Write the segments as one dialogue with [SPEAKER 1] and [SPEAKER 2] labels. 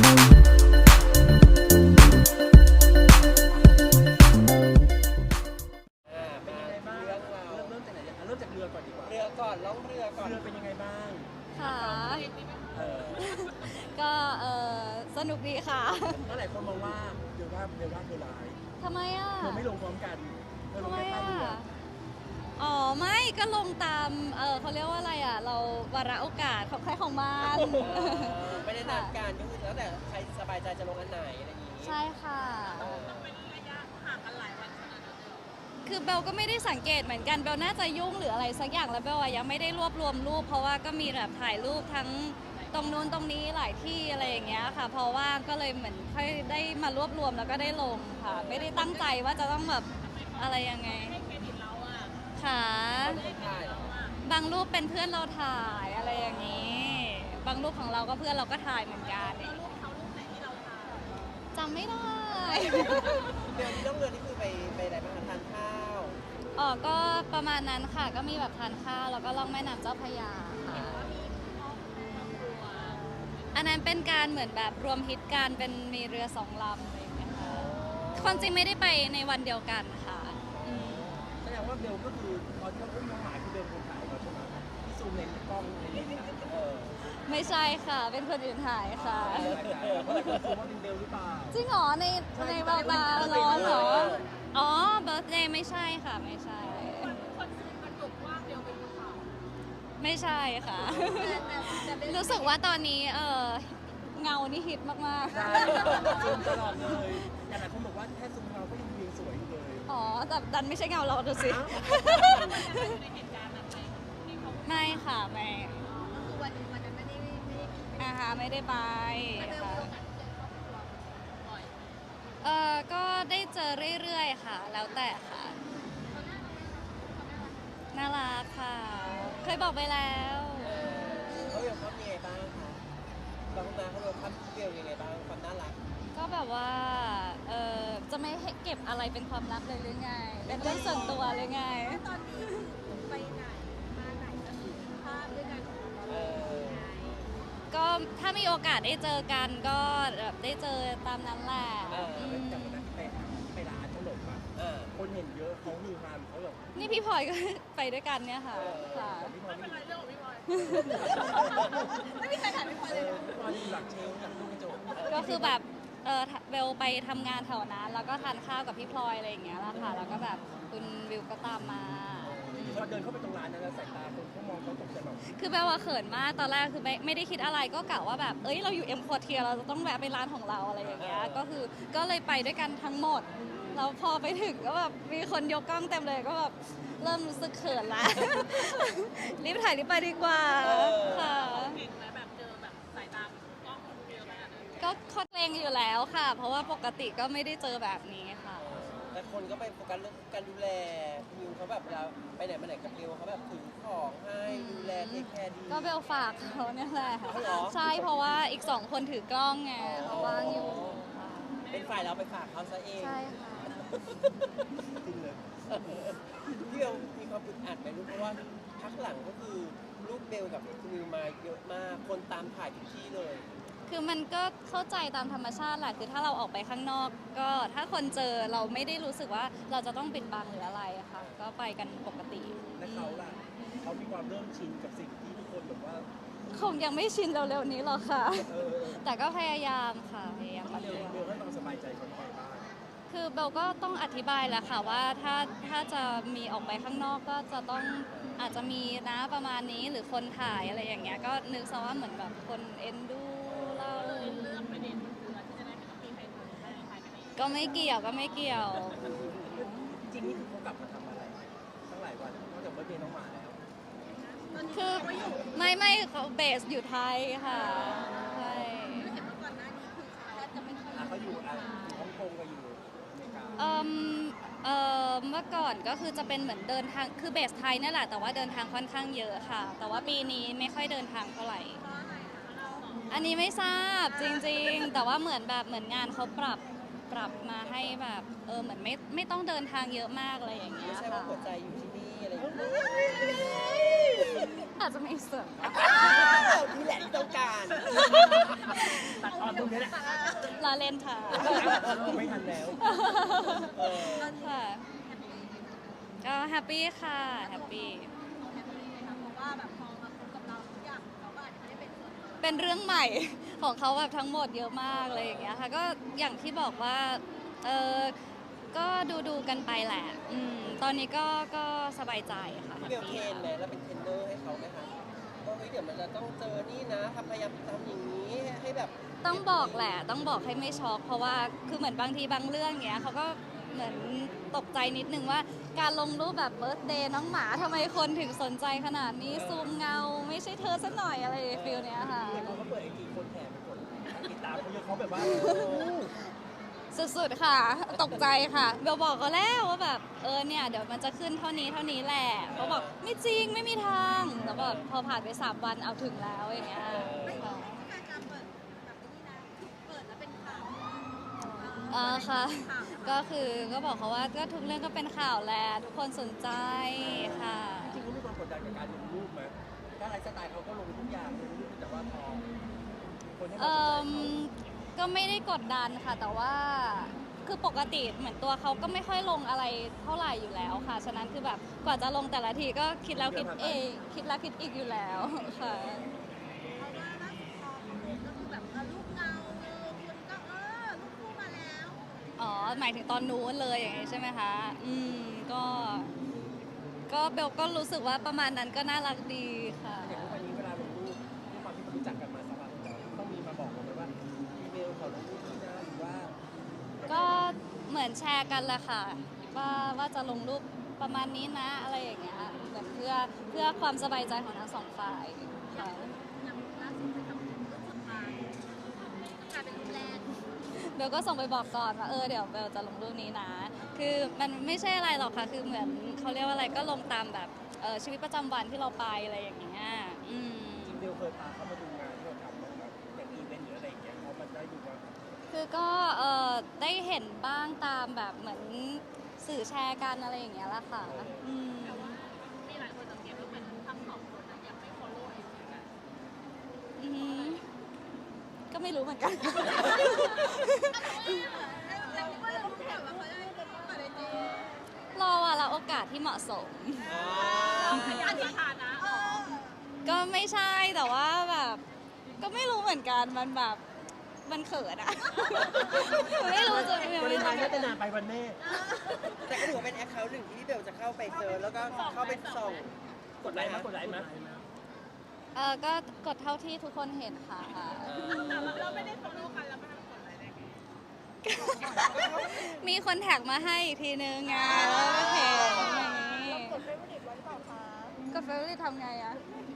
[SPEAKER 1] เป็นยังไงบ้างเรื่องเราเริ่มจากไหนเริ่มจากเรือก่อนดีกว่าเรือก่อนล่องเรือก่อนเรือเป็นยังไงบ้าง
[SPEAKER 2] ค่ะ
[SPEAKER 1] เออ
[SPEAKER 2] ก็สนุกดีค่ะ
[SPEAKER 1] ก็หลายคนมองว่าเดี๋ยวว่าเธอร้าย
[SPEAKER 2] ทำไมอ่ะ
[SPEAKER 1] เธอไม่ลงพร้อมกันเธอล
[SPEAKER 2] ทำ
[SPEAKER 1] ง
[SPEAKER 2] ไม
[SPEAKER 1] แค่ท่า
[SPEAKER 2] อ่ะ
[SPEAKER 1] เรือ
[SPEAKER 2] อ๋อไม่ก็ลงตามเขาเรียกว่าอะไรอ่ะเราวาระโอกาสของใครของมัน
[SPEAKER 3] ไม่ได้นัดกันก็คือแล้วแต่ใครสบายใจจะลงอันไหนอะไรอย่างนี้
[SPEAKER 2] ใช่ค่ะคือเบลก็ไม่ได้สังเกตเหมือนกันเบลน่าจะยุ่งหรืออะไรสักอย่างแล้วเบลอะยังไม่ได้รวบรวมรูปเพราะว่าก็มีแบบถ่ายรูปทั้งตรงนู้นตรงนี้หลายที่อะไรอย่างเงี้ยค่ะเพราะว่าก็เลยเหมือนค่อยได้มารวบรวมแล้วก็ได้ลงค่ะไม่ได้ตั้งใจว่าจะต้องแบบอะไรยังไงค่ะ
[SPEAKER 3] ถ่ายเหรอบ
[SPEAKER 2] างรูปเป็นเพื่อนเราถ่ายอะไรอย่างนี้ บางรูปของเราก็เพื่อนเราก็ถ่ายเหมือนกันจำไม่ได้
[SPEAKER 3] เรือที่ล่องเรือนี่คือไปไหนบ้างคะทานข้าว
[SPEAKER 2] อ๋อก็ประมาณนั้นค่ะก็มีแบบทานข้าวแล้วก็ล่องแม่น้ำเจ้าพระยาค่ะอันนั้นเป็นการเหมือนแบบรวมฮิตการเป็นมีเรือสองลำอะไรอย่างเงี้ยค่ะความจริงไม่ได้ไปในวันเดียวกันค่ะอืม
[SPEAKER 1] แสดงว่าเบลก็คือตอนที่เขาอุ้มน้องหมาคือเบลคนถ่ายเราใช่ไหมที่ซูมในกล้องในเลนส์นะ
[SPEAKER 2] ไม่ใช่ค่ะเป็นคนอื่นถ่ายค่ะ
[SPEAKER 1] เพราะหลายคนซูมว่าเป็นเบลหรือเปล่า
[SPEAKER 2] จริงเหรอในเบาตาร้อนเหรออ๋อเบิร์ธเดย์ไม่ใช่ค่ะไม่ใช่ไม่ใช่ค่ะ รู้สึกว่าตอนนี้เงานี่ฮิตมาก
[SPEAKER 1] ใช่ซูมตลอดเลยแต่หลายคนบอกว่าแค่ซูมเราก็ยังวิวสวยอยู่เลย
[SPEAKER 2] ๆอ๋อแต่ดันไม่ใช่เงาเราดูสิ ไม่ค่ะไม่คือวันนั้นไม่ได้ไม่ได้ไปค่ะก็ได้เจอเรื่อยๆค่ะ แล้วแต่ค่ะน่ารักค่ะ เคยบอกไปแล้ว
[SPEAKER 3] เขาเรียกภาพยังไงบ้างคะบางนาเขาเรียกภาพเรียวยังไงบ้างความน่ารัก
[SPEAKER 2] ก็แบบว่าจะไม่ให้เก็บอะไรเป็นความลับเลยหรือไง เป็นเรื่องส่วนตัวเลยไง
[SPEAKER 4] ตอนนี้ไปไหนมาไหนก็คือภาพด้วยกันของเรา
[SPEAKER 3] เออ
[SPEAKER 2] ก็ถ้ามีโอกาสได้เจอกันก็แบบได้เจอตามนั้นแหละ
[SPEAKER 1] แต่วันนั้นไปร้านขนมอ่ะคนเห็นเยอะเขาฮือฮาเขาแบบ
[SPEAKER 2] นี่พี่พลอยก็ ไปด้วยกันเนี่ยค่ะค่ะ
[SPEAKER 1] พี่พลอยไม่เป็นไรเรื่องของพี่พลอย
[SPEAKER 4] ไม่มีใครถ่ายไม่พอเลย
[SPEAKER 1] พี่พลอยอยู่หลังเชลฟ์หลังตู้กระจก
[SPEAKER 2] ก็คือแบบเบลไปทำงานแถวนั้นแล้วก็ทานข้าวกับพี่พลอยอะไรอย่างเงี้ยแหละค่ะแล้วก็แบบคุณวิวก็ตามมา
[SPEAKER 1] พอเดินเข้าไปตรงร้านนั้นแล้วสายตาคนเขามองเขาตกใจแบบ
[SPEAKER 2] คือเบลว่าเขินมากตอนแรกคือไม่ได้คิดอะไรก็กะว่าแบบเอ้ยเราอยู่เอ็มควอเทียเราจะต้องแวะไปร้านของเราอะไรอย่างเงี้ยก็เลยไปด้วยกันทั้งหมดแล้วพอไปถึงก็แบบมีคนยกกล้องเต็มเลยก็แบบเริ่มรู้สึกเขินละ รีบถ่ายรีบไปดีกว่าค่ะก็คอดเลงอยู่แล้วค่ะ เพราะว่าปกติก็ไม่ได้เจอแบบนี้ค่ะ
[SPEAKER 3] แต่คนก็ไปโฟกัสเรื่องการดูแลมิวเขาแบบเวลาไปไหนมาไหนกับเบลเขาแบบถือของให้ดูแลเทคแคร์ดี
[SPEAKER 2] ก็เบลฝากเขาเนี่ยแหละ
[SPEAKER 3] อ๋อเหรอ
[SPEAKER 2] ใช่เพราะว่าอีก2 คนถือกล้องไงเขาว่างอยู่ค่ะ
[SPEAKER 3] เป็นฝ่ายเราไปฝากเขาซะเอง
[SPEAKER 2] ใช่ค่ะ
[SPEAKER 1] จริงเลย
[SPEAKER 3] พี่เบลมีความอึดอัดไหมลูกเพราะว่าพักหลังก็คือลูกเบลกับคุณมิวมาเยอะมากคนตามถ่ายทุกที่เลย
[SPEAKER 2] คือมันก็เข้าใจตามธรรมชาติแหละคือถ้าเราออกไปข้างนอก ก็ถ้าคนเจอเราไม่ได้รู้สึกว่าเราจะต้องปิดบังหรืออะไรอะค่ะ ก็ไปกันปกติ
[SPEAKER 1] และเขาล่ะเขามีความเริ่มชินกับสิ่งที่ทุกคนแบบว่า
[SPEAKER 2] คงยังไม่ชินเร็วๆนี้หรอกค่ะ
[SPEAKER 1] เออ
[SPEAKER 2] แต่ก็พยายามค่ะพยายาม
[SPEAKER 1] เบลให้ความสบายใจเขาไปบ้าง
[SPEAKER 2] คือเบลก็ต้องอธิบายแหละค่ะว่าถ้าจะมีออกไปข้างนอกก็จะต้องอาจจะมีนะประมาณนี้หรือคนถ่ายอะไรอย่างเงี้ยก็นึกซะว่าเหมือนแบบคนเอ็นดูเราก็ไม่เกี่ยวก็ไม่เกี่ยว
[SPEAKER 1] จริงๆนี่คือเขากลับมาทำอะไรตั้งหลายวันนอกจากเบิร์ธเดย์น้องหมาแล้ว
[SPEAKER 2] คือไม่เขาเบสอยู่ไทยค่ะใช่
[SPEAKER 4] เห็นว่าก่อนหน้านี้คือเขาจะไม่ค่อย
[SPEAKER 1] เขาอยู่ฮ่องกงกับอยู่อเมริกา
[SPEAKER 2] เมื่อก่อนก็คือจะเป็นเหมือนเดินทางคือเบสไทยนั่นแหละแต่ว่าเดินทางค่อนข้างเยอะค่ะ แต่ว่าปีนี้ไม่ค่อยเดินทางเท่าไหร่ อันนี้ไม่ทราบจริงๆ แต่ว่าเหมือนงานเขาปรับมาให้แบบเหมือนไม่ต้องเดินทางเยอะมากอะไรอย่างเงี้
[SPEAKER 3] ไม่
[SPEAKER 2] ย
[SPEAKER 3] ใช่ว่า
[SPEAKER 2] ค่ะ
[SPEAKER 3] หัวใจอยู่ที่นี่อะไรอย่างเงี้ย
[SPEAKER 2] อาจจะมีส่วน
[SPEAKER 3] นี่แหละที่ต้องการ
[SPEAKER 1] ตัดตอนตรงนี้แหละ
[SPEAKER 2] ว่าเล่นค่ะ
[SPEAKER 1] ไม่ทันแล้ว
[SPEAKER 2] ค่ะก็แฮปปี้ค่ะแฮปปี้
[SPEAKER 4] เพราะว่าแบบพอมาคบกับเราทุกอย่างเขาก็อาจจะไม่ได้เป็นส่วนหนึ่ง
[SPEAKER 2] เป็นเรื่องใหม่ ของเขาแบบทั้งหมดเยอะมากเลยอย่างเงี้ยค่ะก็อย่างที่บอกว่าเออก็ดูกันไปแหละตอนนี้ก็สบายใจค่ะ
[SPEAKER 3] พี่เบลเทรนไหมแล้วเป็นเทรนเนอร์ให้เขาไหมคะว่าเฮ้ยเดี๋ยวมันจะต้องเจอนี่นะพยายามทำอย่างนี้ให้แบบ
[SPEAKER 2] ต้องบอกแหละต้องบอกให้ไม่ช็อกเพราะว่าคือเหมือนบางทีบางเรื่องเงี้ยเขาก็เหมือนตกใจนิดนึงว่าการลงรูปแบบเบิร์ d เดย์น้องหมาทำไมคนถึงสนใจขนาดนี้ซูมเงาไม่ใช่เธอซะหน่อยอะไรฟิลเนี้ยค่ะ
[SPEAKER 1] แต่เขาก็เปิดไอจีคนแห่ไปกดติดตามเขาเยอะเขาแบบว่า
[SPEAKER 2] สุดๆค่ะ ตกใจค่ะเบลบอกก็แล้วว่าแบบเนี่ยเดี๋ยวมันจะขึ้นเท่านี้แหละเขาบอกไม่จริงไม่มีทางแล้วแบบพอผ่านไป3 วันเอาถึงแล้วอย่างเงี้ย
[SPEAKER 4] ไม่
[SPEAKER 2] ค่ะ
[SPEAKER 4] การการเปิดแบบนี้นะเปิดแล้วเป็นข่าว
[SPEAKER 2] ค่ะ
[SPEAKER 4] ข่าว
[SPEAKER 2] ก็คือก็บอกเขาว่าก็ทุกเรื่องก็เป็นข่าวแหละทุกคนสนใจค่ะ
[SPEAKER 1] จริงๆเขามีความกดดันกับการลงรูปไหมถ้าไลฟ์สไตล์เขาก็ลงทุกอย่างลงรูปแต่ว่าพอคนให้ความสนใจเขา
[SPEAKER 2] ก็ไม่ได้กดดันค่ะ แต่ว่าคือปกติเหมือนตัวเขาก็ไม่ค่อยลงอะไรเท่าไหร่อยู่แล้วค่ะ ฉะนั้นคือแบบกว่าจะลงแต่ละทีก็คิดแล้วคิดเองคิดแล้วคิดอีกอยู่แล้วค่ะ
[SPEAKER 4] เพราะว่าล่าสุดพอคอมเมนต์ก็คือแบบรูปเงาคนก็รูปคู่มาแล้ว
[SPEAKER 2] อ๋อหมายถึงตอนนู้นเลยอย่างนี้ใช่ไหมคะก็เบลก็รู้สึกว่าประมาณนั้นก็น่ารักดีค่ะ
[SPEAKER 1] อย่างทุกวันนี้เวลาลงรูปด้วยความที่เขารู้จักกันมาสักพักแล้วต้องมีมาบอกเราไหมว่าอีเมลขอลงรูปนี้นะหรือว่า
[SPEAKER 2] ก็เหมือนแชร์กันแหละค่ะว่าจะลงรูปประมาณนี้นะอะไรอย่างเงี้ยเหมือนเพื่อความสบายใจของทั้งสองฝ่ายค่ะ
[SPEAKER 4] อย่างล่าสุดไปทำรูปสุดท้ายกลายเป็นรูปแรก
[SPEAKER 2] เบลก็ส่งไปบอกก่อนว่าเดี๋ยวเบลจะลงรูปนี้นะ คือมันไม่ใช่อะไรหรอกค่ะคือเหมือนเขาเรียกว่าอะไรก็ลงตามแบบชีวิตประจำวันที่เราไปอะไรอย่างเงี้ย
[SPEAKER 1] จริงๆเบลเคยพาเขามาดูงานที่เราทำแบบอย่างอีเวนต์หรืออะไรอย่างเงี้ยเขามันได้ดูว่า
[SPEAKER 2] คือก็ได้เห็นบ้างตามแบบเหมือนสื่อแชร์กันอะไรอย่างเงี้ยแหละค่ะ
[SPEAKER 4] มีหลายคนสังเกตว่าเป็นทั้งสองคนนะยังไม่ follow เองเหมือนกัน
[SPEAKER 2] อืมก็ไม่รู้เหมือนกัน
[SPEAKER 4] แต่ว่าเรารู้แบบว่าเขาได้เป็นเปิดไอจี
[SPEAKER 2] รอว่าละโอกาสที่เหมาะสม
[SPEAKER 4] อันนี้ฐานะ
[SPEAKER 2] ก็ไม่ใช่แต่ว่าแบบ ก็ไม่รู้เหมือนกันมันแบบมันเขินอะ ไม่รู้จะยัง
[SPEAKER 1] วัน
[SPEAKER 2] ไม่
[SPEAKER 1] นี้ทานน่าจะนานไปวันแม่
[SPEAKER 3] แต่ก็ถือว่าเป็นแอคเคาท์หนึ่งที่พี่เบลจะเข้าไปเซิร์ชแล้วก็เข้าไปส่อง
[SPEAKER 1] กดไลค์มั้ยกดไลค์มั้ย
[SPEAKER 2] ก็กดเท่าที่ทุกคนเห็นค่ะ
[SPEAKER 4] แต่เราไม่ได้ follow กันแล้วไม่ทำผลอะไรได้ไง
[SPEAKER 2] มีคนแท็กมาให้อีกทีนึงไงแล้วก็เห็นอย่างนี้
[SPEAKER 4] กดเฟซบุ๊กไว้หรือเปล่าคะ
[SPEAKER 2] ก็เฟรนลี่ทำไงอะ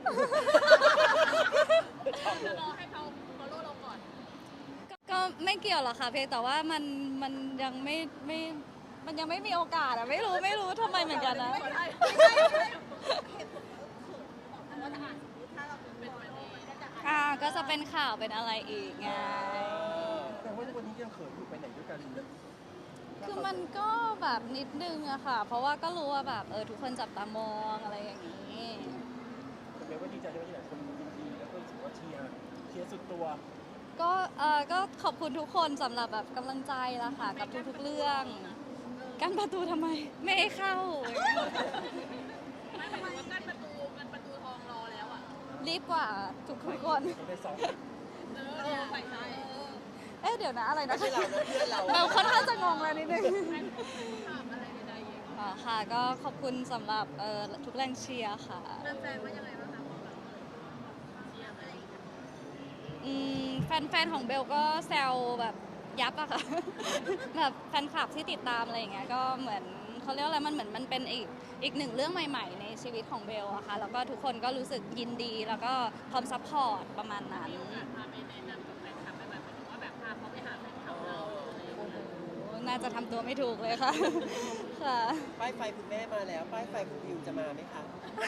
[SPEAKER 4] รอให้เขา follow เราก่อน
[SPEAKER 2] ก็ไม่เกี่ยวหรอกค่ะเพียงแต่ว่ามันยังไม่มันยังไม่มีโอกาสอะไม่รู้ทำไมเหมือนกันนะ
[SPEAKER 4] ไม่ใช่เหตุผลคือว่าถ้าเราเป็นวันนี้ก็จะอ่าน
[SPEAKER 2] ก็จะเป็นข่าวเป็นอะไรอีกไง
[SPEAKER 1] แต่ว่าวันนี้ยังเขินอยู่ไปไหนด้วยกันเลย
[SPEAKER 2] คือมันก็แบบนิดนึงอะค่ะ เพราะว่าก็รู้ว่าแบบทุกคนจับตามองอะไรอย่างนี้
[SPEAKER 1] เบลก็ดีใจด้วยที่หลายคนยินดีแล้วก็รู้สึกว่าเชียร์สุดตัว
[SPEAKER 2] ก็ขอบคุณทุกคนสำหรับแบบกำลังใจละค่ะ กับทุกๆเรื่องกั้นประตูทำไม ไม่ให้เข้า
[SPEAKER 4] ไม่หมายถึงว่ากั้นประตูทองรอแล้วอ่ะ
[SPEAKER 2] รีบกว่าทุกคน
[SPEAKER 1] เขาได้สอง
[SPEAKER 4] ใส่ใจ
[SPEAKER 2] เดี๋ยวนะอะไรนะ
[SPEAKER 3] ไม่ใช่เรานะเพื่อนเรา
[SPEAKER 2] เราค่อนข้างจะงงแล้วนิดนึง
[SPEAKER 4] ถามอะไรใดๆอย่าง
[SPEAKER 2] อ๋อค่ะก็ขอบคุณสำหรับทุกแรงเชียร์ค่ะ
[SPEAKER 4] แฟนๆว่ายังไงบ้างคะพอแบบเชียร์อะไรอย่างเงี้ย
[SPEAKER 2] แฟนๆของเบลก็แซวแบบยับอะค่ะ แบบแฟนคลับที่ติดตามอะไรอย่างเงี้ยก็เหมือนเขาเรียกว่าอะไรมันเหมือนมันเป็นอีกหนึ่งเรื่องใหม่ๆ ในชีวิตของเบลอะค่ะแล้วก็ทุกคนก็รู้สึกยินดีแล้วก็พร้อมซัพพอร์ตประมาณนั้น
[SPEAKER 4] พาไปแนะนำกับแฟนคลับไปแบบเหมือนว่าแบบพาเขาไปหาแฟนคลับเราอะไรอย่างเงี้ย
[SPEAKER 2] น่าจะทำตัวไม่ถูกเลยค่ะ ค่ะ
[SPEAKER 3] ป้ายไฟคุณแม่มาแล้ว ป้ายไฟคุณวิวจะมาไหมคะ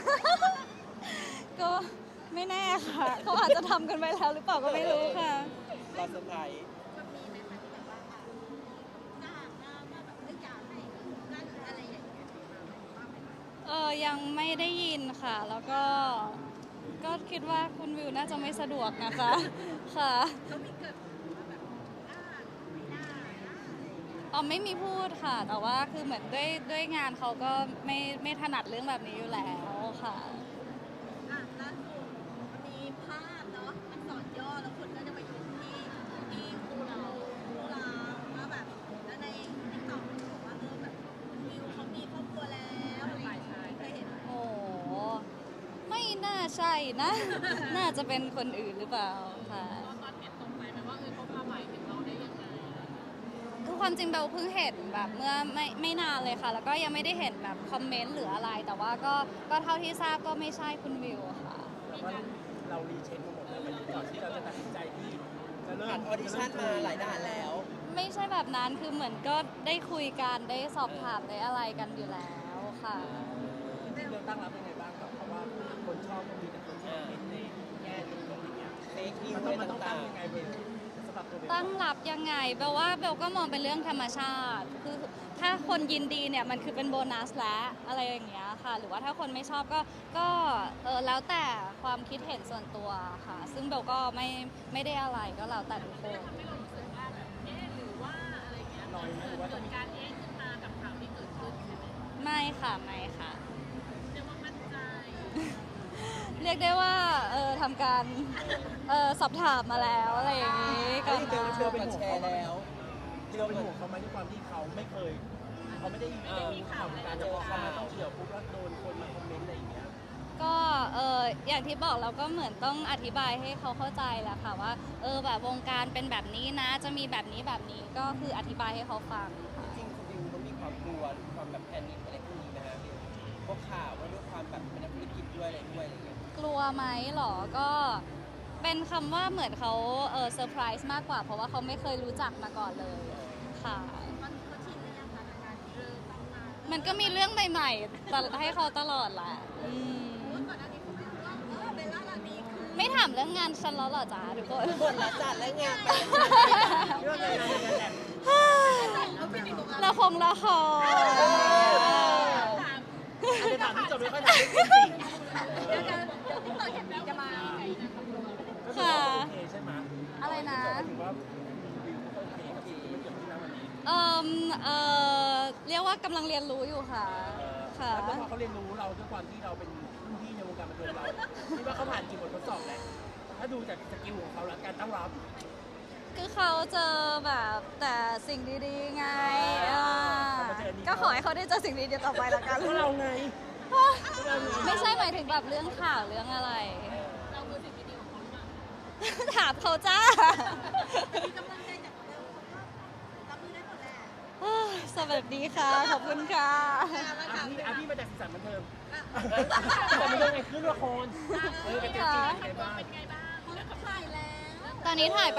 [SPEAKER 2] ก็ไม่แน่ค่ะ เขาอาจจะทำกันไปแล้วหรือเปล่าก็ไม่รู้ค่ะ
[SPEAKER 3] รอเซอร์ไพรส์
[SPEAKER 4] มันมีไหมคะที่แบบว่าจ้างมาแบบไม่อยากให้นั่นอะไรอย่างเงี้ยว่าไหมคะ
[SPEAKER 2] ยังไม่ได้ยินค่ะ แล้วก็คิดว่าคุณวิวน่าจะไม่สะดวกนะคะ ค่ะ
[SPEAKER 4] เขามีเกิดว่าแบบ
[SPEAKER 2] อ๋อไม่มีพูดค่ะ แต่ว่าคือเหมือนด้วยงานเขาก็ไม่ถนัดเรื่องแบบนี้อยู่แล้วค่ะ
[SPEAKER 4] อ่ะล่าสุดมันมีภาพเนาะมันสอนย่อแล้วคนก็จะไปดูที่คู่เราว่าแบบแล้วในติ๊กต็อกมันบอกว่าแบบวิวเขามีครอบครัวแล้วอะไรอย่างเงี้ยเคยเห็นไหม
[SPEAKER 2] โอ้ไม่น่าใช่นะ น่าจะเป็นคนอื่นหรือเปล่าค่ะ
[SPEAKER 5] ตอนเห็นตรงไหนไหมว่าเขาพาหมายถึงเราได้ยังไง
[SPEAKER 2] คือความจริงเบลเพิ่งเห็นแบบเมื่อไม่นานเลยค่ะ แล้วก็ยังไม่ได้เห็นแบบคอมเมนต์หรืออะไร แต่ว่าก็เท่าที่ทราบก็ไม่ใช่คุณวิวค่ะ
[SPEAKER 1] แต่ว่าเรารีเช็คมาหมดแล้ววันนี้ก่อนที่เราจะตัดสินใจที่จะเริ่ม
[SPEAKER 3] ผ่านออดิชั่นมาหลายด่านแล้ว
[SPEAKER 2] ไม่ใช่แบบนั้นคือเหมือนก็ได้คุยกันได้สอบถามได้อะไรกันอยู่แล้วค่ะ
[SPEAKER 1] จริงๆเราตั้งรับยังไงบ้างกับเพราะว่าคนชอบก็มีแต่คนที่เห็นในแง่ดีของอย่างเงี้ย
[SPEAKER 3] เฟกนิว
[SPEAKER 1] มัน
[SPEAKER 3] อะไร
[SPEAKER 1] ต้องตั้
[SPEAKER 3] ต่าง ง
[SPEAKER 1] ยังไงเบลสำหรับตัวเบล
[SPEAKER 2] ตั้งรับยังไงเบลว่าเบลก็มองเป็นเรื่องธรรมชาติคือถ้าคนยินดีเนี่ยมันคือเป็นโบนัสแล้วอะไรอย่างเงี้ยค่ะ หรือว่าถ้าคนไม่ชอบก็แล้วแต่ความคิดเห็นส่วนตัวค่ะ ซึ่งเบลก็ไม่ได้อะไรก็แล้วแต่ทุกคน
[SPEAKER 5] ทำให้เรารู้สึกว่าแบบหรือว่าอะไรเงี้ย
[SPEAKER 1] ลอยไหมหรือว่า
[SPEAKER 5] เกิ
[SPEAKER 1] ต้อง
[SPEAKER 5] ดการขึ้นมากับข่าวที่เกิดขึ้นใช่ไหม
[SPEAKER 2] ไม่ค่ะไม่ค่ะ
[SPEAKER 5] เรียกว่ามั่นใจ
[SPEAKER 2] เรียกได้ว่าทำการสอบถามมาแล้วอะไรอย่างงี้
[SPEAKER 3] ๆ
[SPEAKER 2] ก่อน
[SPEAKER 3] เบล
[SPEAKER 2] มา
[SPEAKER 3] เบลเป็นแชร์แล้ว
[SPEAKER 1] ที่เราเป็นห่วงเขาไหมด้วยความที่เขาไม่เคยเขาไม่ได้มีข่าวในการจะพอเข้ามาต้องเกี่ยวปุ๊บแล้วโดนคนมาคอมเมนต์อะไรอย่างเงี้ย
[SPEAKER 2] ก็อย่างที่บอกเราก็เหมือนต้องอธิบายให้เขาเข้าใจแหละค่ะว่าแบบวงการเป็นแบบนี้นะ จะมีแบบนี้ก็คืออธิบายให้เขาฟังค่ะ
[SPEAKER 3] จริงคุณวิวเขามีความกลัวความแบบแพนิคอะไรพวกนี้นะฮะพวกข่าวว่าด้วยความแบบเป็นนักธุรกิจด้วยอะไรด้วยอะไรเงี้ย
[SPEAKER 2] กลัวไหมหรอก็เป็นคำว่าเหมือนเขาเซอร์ไพรส์มากกว่า เพราะว่าเขาไม่เคยรู้จักมาก่อนเลยค่ะ
[SPEAKER 4] มันเขาชินหรือยังคะกับการที่ต้องมา
[SPEAKER 2] มันก็มีเรื่องใหม่ๆให้เขาตลอดแหละอืม
[SPEAKER 4] เพราะว่าก่อนหน้านี้เขาไม่รู้ว่าเบลล่ารานีคือ
[SPEAKER 2] ไม่ถามเรื่องงานฉันแล้วเหรอจ๊ะทุกคน
[SPEAKER 3] บทละจัดและงานไป
[SPEAKER 1] เรื่องอะไรนะแอบ
[SPEAKER 4] เขาเป็นอีกตรงนั้น
[SPEAKER 2] ละคร
[SPEAKER 5] ถาม
[SPEAKER 1] อาจจะถามที่จบไม่ค่อยถามเรื่องจริง
[SPEAKER 4] เดี๋ยวที่ต่อเห็นจะมา
[SPEAKER 1] ก็คือว่าโอเคใช่ไหม
[SPEAKER 2] อะไรนะ
[SPEAKER 1] ถือว่าวิวก็โอเคกับสิ่งที่มันเกิดขึ้นนะวันนี้
[SPEAKER 2] เรียกว่ากำลังเรียนรู้อยู่ค่ะ ค่ะ
[SPEAKER 1] แล้วพอเขาเรียนรู้เราด้วยความที่เราเป็นรุ่นพี่ในวงการบันเทิงเราคิดว่าเขาผ่านกี่บททดสอบแล้วถ้าดูจากสกิลของเขาแล้วการตั้งรับ
[SPEAKER 2] คือเขาเจอแบบแต่สิ่งดีๆไงก็ขอให้เขาได้เจอสิ่งดีๆต่อไปละกัน
[SPEAKER 1] ก็เราไง
[SPEAKER 2] ไม่ใช่หมายถึงแบบเรื่องข่าวเรื่องอะไร
[SPEAKER 5] เราคือสิ่งดีๆของเขาหรือเปล่า
[SPEAKER 2] ถามเขาจ้า
[SPEAKER 4] มีกำลังใจจากเบลเขาก็รับมือได้หมดแหละ
[SPEAKER 2] สวัสดีค่ะ ขอบคุณค่ะ
[SPEAKER 1] พี่มาจากสีสันบันเทิงแต่มันเรื่องไงขึ้นละครกับเจมส์จีเป็นไงบ้าง
[SPEAKER 5] เป็นไงบ้าง
[SPEAKER 4] เขาถ่ายแล้ว
[SPEAKER 2] ตอนนี้ถ่ายไป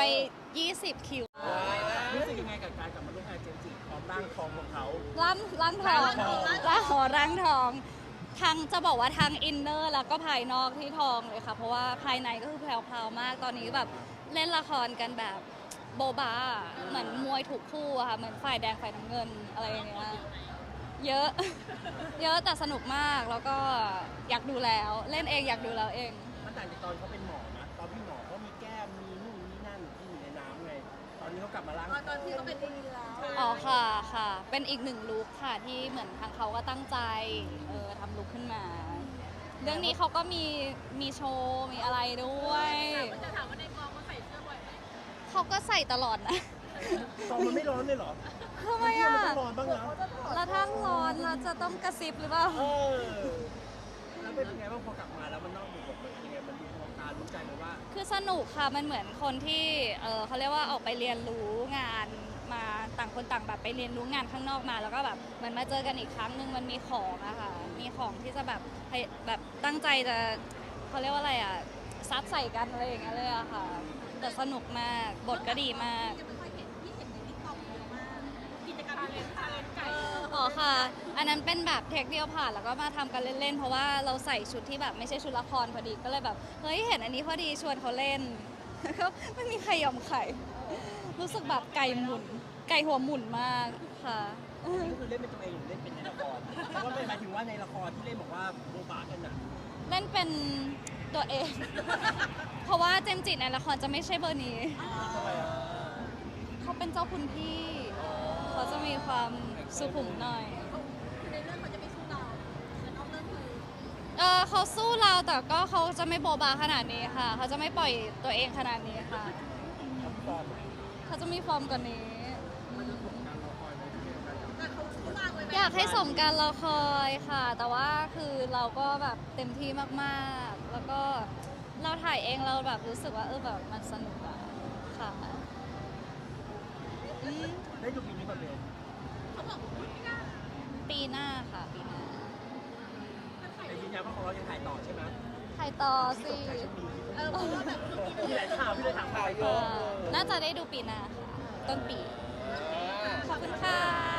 [SPEAKER 2] 20 คิว
[SPEAKER 1] รู้สึกยังไงกับการกลับมาร่วมงานเจมส์จีพร้อมร่างทองของเขา
[SPEAKER 2] ร่างทองร่างทองทางจะบอกว่าทางอินเนอร์แล้วก็ภายนอกที่ทองเลยค่ะ เพราะว่าภายในก็คือแพรวๆมาก ตอนนี้แบบเล่นละครกันแบบโบบาเหมือนมวยถูกคู่อะค่ะ เหมือนฝ่ายแดงฝ่ายน้ำเงินอะไรอย่างเงี้ย เยอะ เยอะแต่สนุกมาก แล้วก็อยากดูแล้ว เล่นเองอยากดูแล้วเอง
[SPEAKER 1] มันต่างจากตอนเขาเป็นหมอนะ ตอนพี่หมอเขามีแก้ม มีนู่นนี่นั่นที่อยู่ในน้ำไง ตอนนี้เขากลับมาล้าง
[SPEAKER 4] ตอนที่เขาเป็นดีแล้ว
[SPEAKER 2] อ๋อค่ะค่ะ เป็นอีกหนึ่งลุคค่ะที่เหมือนทางเขาก็ตั้งใจทำลุคขึ้นมา เรื่องนี้เขาก็มีโชว์มีอะไรด้วย
[SPEAKER 5] จะถามว่าในกองเขาใส่เสื้อบ่อยไหม
[SPEAKER 2] เขาก็ใส่ตลอดนะ
[SPEAKER 1] ตอนมันไม่ร้อนเลยเหรอ
[SPEAKER 2] ทำไมอ่ะ
[SPEAKER 1] มันต้องร้อนบ้างนะ
[SPEAKER 2] แล้วถ้าร้อนเราจะต้องกระซิบหรือเปล่า
[SPEAKER 1] แล้วเป็นยังไงบ้างพอกลับมาแล้วมันนอกบทเป็นยังไงมันดูมองตารู้ใจเลยว่า
[SPEAKER 2] คือสนุกค่ะมันเหมือนคนที่เขาเรียกว่าออกไปเรียนรู้งานมาต่างคนต่างแบบไปเรียนรู้งานข้างนอกมา แล้วก็แบบเหมือนมาเจอกันอีกครั้งหนึ่งมันมีของอะค่ะมีของที่จะแบบตั้งใจจะเขาเรียกว่าอะไรอะซัดใส่กันอะไรอย่างเงี้ยเลยอะค่ะแต่สนุกมากบทก็ดีมาก
[SPEAKER 4] ยังไม่ค่อยเห็นที่เห็นในติ๊กต็อกเยอะมากกิจกรรม
[SPEAKER 5] ทาเลนไก่
[SPEAKER 2] อ๋อค่ะ อันนั้นเป็นแบบเทคเดียวผ่านแล้วก็มาทำกันเล่นๆ เพราะว่าเราใส่ชุดที่แบบไม่ใช่ชุดละครพอดีก็เลยแบบเฮ้ยเห็นอันนี้พอดีชวนเขาเล่น ก็ไม่มีใครยอมใครรู้สึกแบบไก่หัวหมุนมากค่ะ
[SPEAKER 1] นี่ก็คือเล่นเป็นตัวเองหรือเล่นเป็นในละครเพราะว่าหมายถึงว่าในละครที่เล่นบอกว่าโบบากันอ่ะ
[SPEAKER 2] เล่นเป็นตัวเอง เพราะว่าเจมส์จิในละครจะไม่ใช่เบอร์นี้
[SPEAKER 1] ทำไมอ่ะ
[SPEAKER 2] เขาเป็นเจ้าคุณพี่เขาจะมีความสุขุมหน่อย
[SPEAKER 4] ในเรื่องเขาจะไม่สู้เราแต่นอกเรื่องคือ
[SPEAKER 2] เขาสู้เราแต่ก็เขาจะไม่โบบาขนาดนี้ค่ะ เขาจะไม่ปล่อยตัวเองขนาดนี้ค่ะ เขาจะมีฟอร์มกว่านี้
[SPEAKER 4] แต่เขาสู้เราไว้ไหม
[SPEAKER 2] อยากให้สมการรอคอยค่ะ แต่ว่าคือเราก็แบบเต็มที่มากๆ แล้วก็เราถ่ายเองเราแบบรู้สึกว่าแบบมันสนุกอะค่ะอืม
[SPEAKER 1] ได้ดูปีนี้ก่อนเลย
[SPEAKER 4] เขาบอกว่าไม่ได้
[SPEAKER 2] ปีหน้าค่ะปีหน้า
[SPEAKER 4] ถ้าถ่าย
[SPEAKER 1] แต่ยืนยันว่าของเรายังถ่ายต่อใช่ไหม
[SPEAKER 2] ถ่ายต่อสิ
[SPEAKER 4] เพราะว่าแบบเมื่อกี้
[SPEAKER 1] มีหลายข่าวพี่เลยถาม
[SPEAKER 3] ข่าวเย
[SPEAKER 2] ค่ะ
[SPEAKER 3] อะ
[SPEAKER 2] น่าจะได้ดูปีหน้าค่ะ ต้นปี
[SPEAKER 3] อ่า
[SPEAKER 2] ขอบคุณค่ะ